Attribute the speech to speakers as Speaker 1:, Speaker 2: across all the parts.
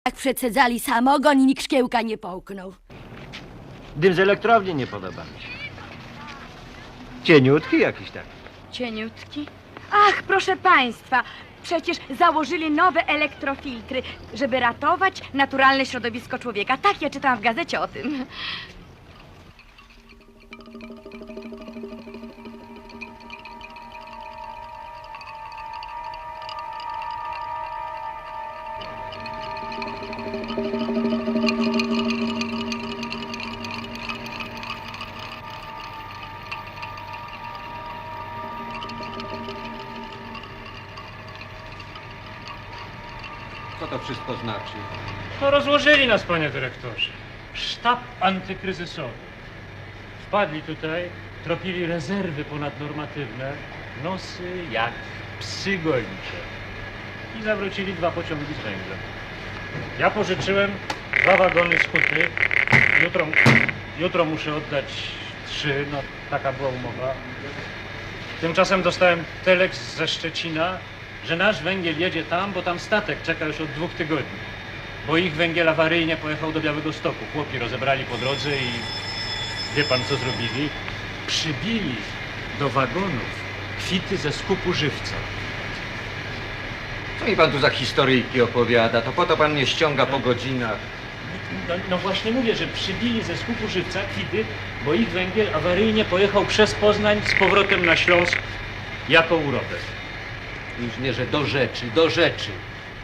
Speaker 1: Jak przecedzali samogon i nikt szkiełka nie połknął.
Speaker 2: Dym z elektrowni nie podoba mi się. Cieniutki jakiś taki.
Speaker 3: Cieniutki? Ach, proszę państwa, przecież założyli nowe elektrofiltry, żeby ratować naturalne środowisko człowieka. Tak, ja czytałam w gazecie o tym.
Speaker 4: Co to wszystko znaczy?
Speaker 5: No rozłożyli nas, panie dyrektorze. Sztab antykryzysowy. Wpadli tutaj, tropili rezerwy ponadnormatywne, nosy jak psy gończe. I zawrócili 2 pociągi z węglem. Ja pożyczyłem 2 wagony z huty. Jutro muszę oddać 3, no taka była umowa. Tymczasem dostałem teleks ze Szczecina, że nasz węgiel jedzie tam, bo tam statek czeka już od 2 tygodni. Bo ich węgiel awaryjnie pojechał do Białegostoku. Chłopi rozebrali po drodze i wie pan co zrobili? Przybili do wagonów kwity ze skupu żywca.
Speaker 4: Co mi pan tu za historyjki opowiada? To po to pan mnie ściąga po godzinach.
Speaker 5: No właśnie mówię, że przybili ze skupu żywca kwity, bo ich węgiel awaryjnie pojechał przez Poznań z powrotem na Śląsk jako urobek.
Speaker 4: Inżynierze, do rzeczy, do rzeczy.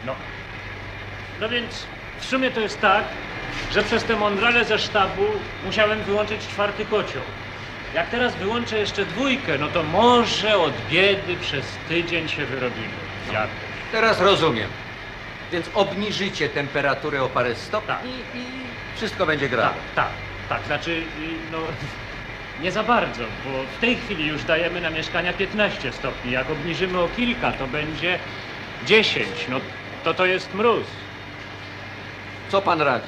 Speaker 5: No więc w sumie to jest tak, że przez te mądrale ze sztabu musiałem wyłączyć 4. kocioł. Jak teraz wyłączę jeszcze 2, no to może od biedy przez tydzień się wyrobimy. Jakoś.
Speaker 4: Teraz rozumiem. Więc obniżycie temperaturę o parę stopni
Speaker 5: Tak.
Speaker 4: i wszystko będzie grało.
Speaker 5: Tak. Znaczy, no nie za bardzo, bo w tej chwili już dajemy na mieszkania 15 stopni. Jak obniżymy o kilka, to będzie 10. No to jest mróz.
Speaker 4: Co pan radzi?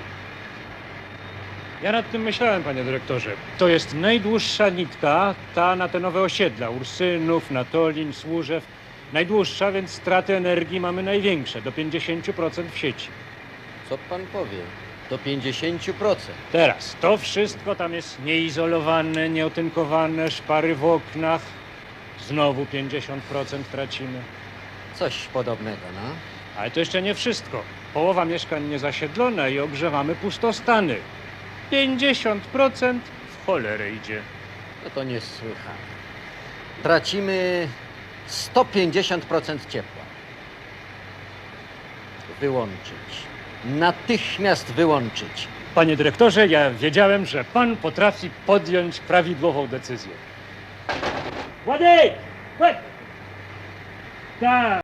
Speaker 5: Ja nad tym myślałem, panie dyrektorze. To jest najdłuższa nitka, ta na te nowe osiedla. Ursynów, Natolin, Służew. Najdłuższa, więc straty energii mamy największe, do 50% w sieci.
Speaker 6: Co pan powie? Do 50%.
Speaker 5: Teraz, to wszystko tam jest nieizolowane, nieotynkowane, szpary w oknach. Znowu 50% tracimy.
Speaker 6: Coś podobnego, no.
Speaker 5: Ale to jeszcze nie wszystko. Połowa mieszkań niezasiedlona i ogrzewamy pustostany. 50% w cholerę idzie.
Speaker 6: No to niesłychane. Tracimy 150% ciepła. Wyłączyć. Natychmiast wyłączyć.
Speaker 5: Panie dyrektorze, ja wiedziałem, że pan potrafi podjąć prawidłową decyzję. Władek! Tak!